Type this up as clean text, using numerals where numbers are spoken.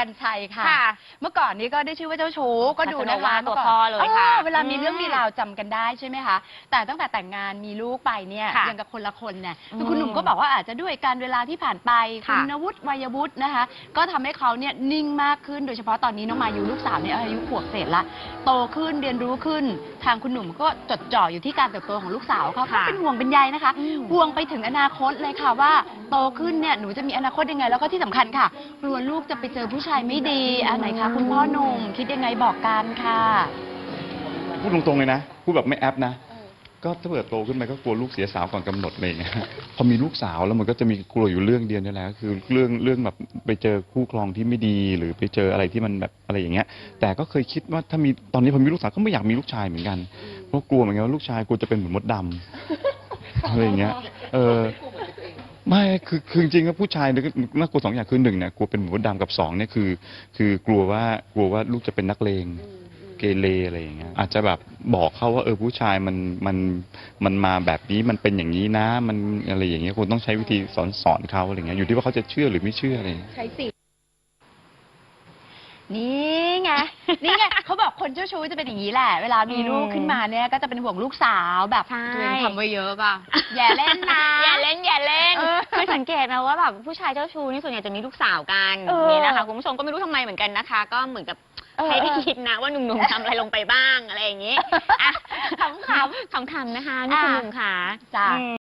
รชัยค่ะเมื่อก่อนนี้ก็ได้ชื่อว่าเจ้าชู้ก็ดูนะคะตัวพ่อเลยค่ะเวลามีเรื่องมีราวจำกันได้ใช่ไหมคะแต่ตั้งแต่แต่งงานมีลูกไปเนี่ยยังกับคนละคนเนี่ยคือคุณหนุ่มก็บอกว่าอาจจะด้วยการเวลาที่ผ่านไปคุณวุฒิวัยวุฒินะคะก็ทำให้เขาเนี่ยนิ่งมากขึ้นโดยเฉพาะตอนนี้น้องมายูลูกสาวเนี่ยอายุขวบเศษละโตขึ้นเรียนรู้ขึ้นทางคุณหนุ่มก็จดจ่ออยู่ที่การเติบโตของลูกสาวเขาเป็นห่วงเป็นใยนะคะห่วงไปถึงอนาคตเลยค่ะว่าโตขึ้นเนี่ยหนูจะมีอนาคตยังไงแล้วก็ที่สำคัญค่ะกลัวลูกจะไปเจอผู้ชายไม่ดีไหนคะคุณพ่อหนุ่มคิดยังไงบอกกันค่ะพูดตรงๆเลยนะพูดแบบไม่แอปนะก็ถ้าเกิดโตขึ้นไปก็กลัวลูกเสียสาวก่อนกำหนดอะไรอย่างเงี้ยพอมีลูกสาวแล้วมันก็จะมีกลัวอยู่เรื่องเดียวนี่แหละคือเรื่องแบบไปเจอคู่ครองที่ไม่ดีหรือไปเจออะไรที่มันแบบอะไรอย่างเงี้ยแต่ก็เคยคิดว่าถ้ามีตอนนี้พอมีลูกสาวก็ไม่อยากมีลูกชายเหมือนกันเพราะกลัวเหมือนกันว่าลูกชายกลัวจะเป็นเหมือนมดดำอะไรอย่างเงี้ยไม่คือจริงๆก็ผู้ชายน่ากลัวสองอย่างคือหนึ่งเนี่ยกลัวเป็นเหมือนมดดำกับสองเนี่ยคือกลัวว่าลูกจะเป็นนักเลงเกเรอะไรอย่างเงี้ยอาจจะแบบบอกเขาว่าผู้ชายมันมาแบบนี้มันเป็นอย่างนี้นะมันอะไรอย่างเงี้ยคุณต้องใช้วิธีสอนเขาอะไรเงี้ยอยู่ที่ว่าเขาจะเชื่อหรือไม่เชื่ออะไรใช้สินี่ไงเขาบอกคนเจ้าชู้จะเป็นอย่างนี้แหละเวลามีลูกขึ้นมาเนี่ยก็จะเป็นห่วงลูกสาวแบบตัวเองทำไว้เยอะป่ะอย่าเล่นนะอย่าเล่นคือสังเกตนะว่าแบบผู้ชายเจ้าชู้นี่ส่วนใหญ่จะมีลูกสาวกันนี่นะคะคุณผู้ชมก็ไม่รู้ทำไมเหมือนกันนะคะก็เหมือนกับให้ได้คิดนะว่าหนุ่มๆทำอะไรลงไปบ้างอะไรอย่างนี้ขำๆนะคะนี่คุณหนุ่มค่ะ